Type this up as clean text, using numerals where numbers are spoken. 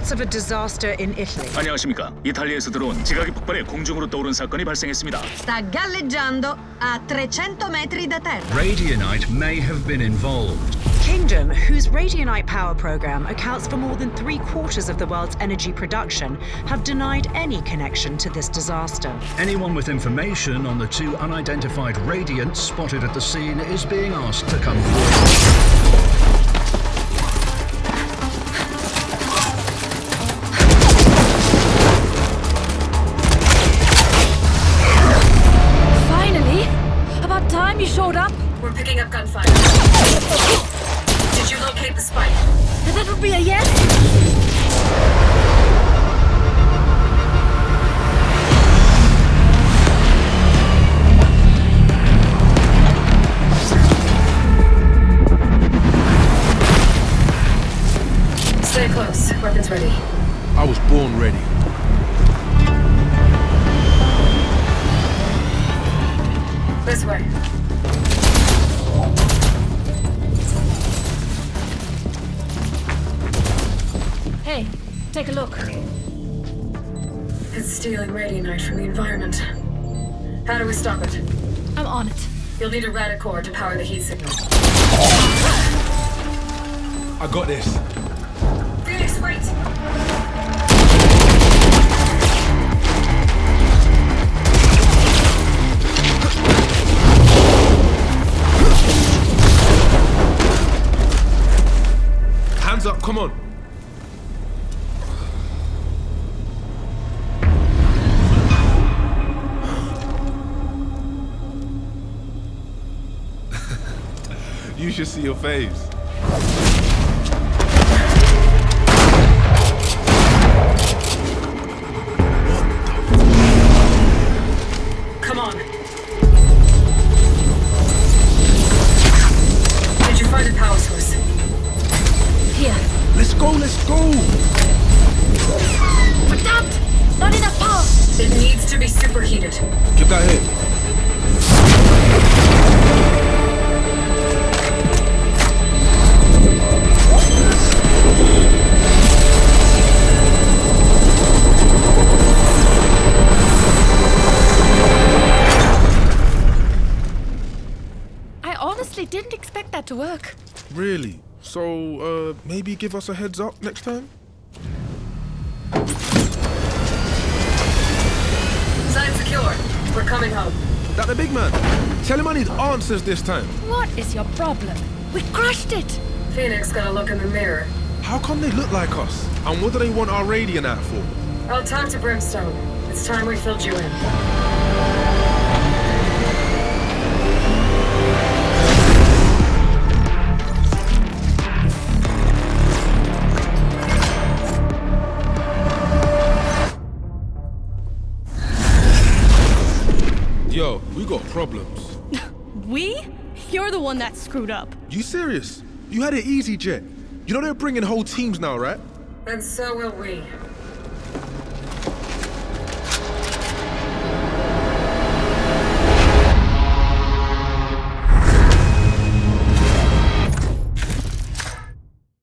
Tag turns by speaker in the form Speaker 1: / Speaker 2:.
Speaker 1: reports of a disaster in Italy.
Speaker 2: 안녕하십니까. 이탈리아에서 들어온 지각이 폭발해 공중으로 떠오른 사건이 발생했습니다.
Speaker 3: Sta galleggiando a 300 metri da terra.
Speaker 4: Radianite may have been involved.
Speaker 1: Kingdom, whose Radianite power program accounts for more than 3/4 of the world's energy production, have denied any connection to this disaster.
Speaker 4: Anyone with information on the two unidentified radiants spotted at the scene is being asked to come forward.
Speaker 5: Finally! About time you showed up.
Speaker 3: We're picking up gunfire. Did you locate the spike?
Speaker 5: That would be a yes?
Speaker 3: Stay close. Weapons ready.
Speaker 6: I was born ready.
Speaker 3: This way.
Speaker 5: Hey, take a look.
Speaker 3: It's stealing Radianite from the environment. How do we stop it?
Speaker 5: I'm on it.
Speaker 3: You'll need a Radicore to power the heat signal.
Speaker 6: I got this.
Speaker 3: Phoenix, wait!
Speaker 6: Hands up, come on. You should see your face.
Speaker 3: Come on. Did you find a power source?
Speaker 5: Here.
Speaker 6: Let's go, let's go.
Speaker 5: Verdammt! Not enough power!
Speaker 3: It needs to be superheated.
Speaker 6: Get that hit.
Speaker 5: I honestly didn't expect that to work.
Speaker 6: Really? So, maybe give us a heads up next time?
Speaker 3: Sign secure. We're coming home.
Speaker 6: That the big man. Tell him I need answers this time.
Speaker 5: What is your problem? We crushed it!
Speaker 3: Phoenix got a look in the mirror.
Speaker 6: How come they look like us? And what do they want our Radianite for?
Speaker 3: I'll talk to Brimstone. It's time we filled you in.
Speaker 6: Yo, we got problems.
Speaker 5: We? You're the one that screwed up.
Speaker 6: You serious? You had it easy, Jet. You know they're bringing whole teams now, right?
Speaker 3: And so will we.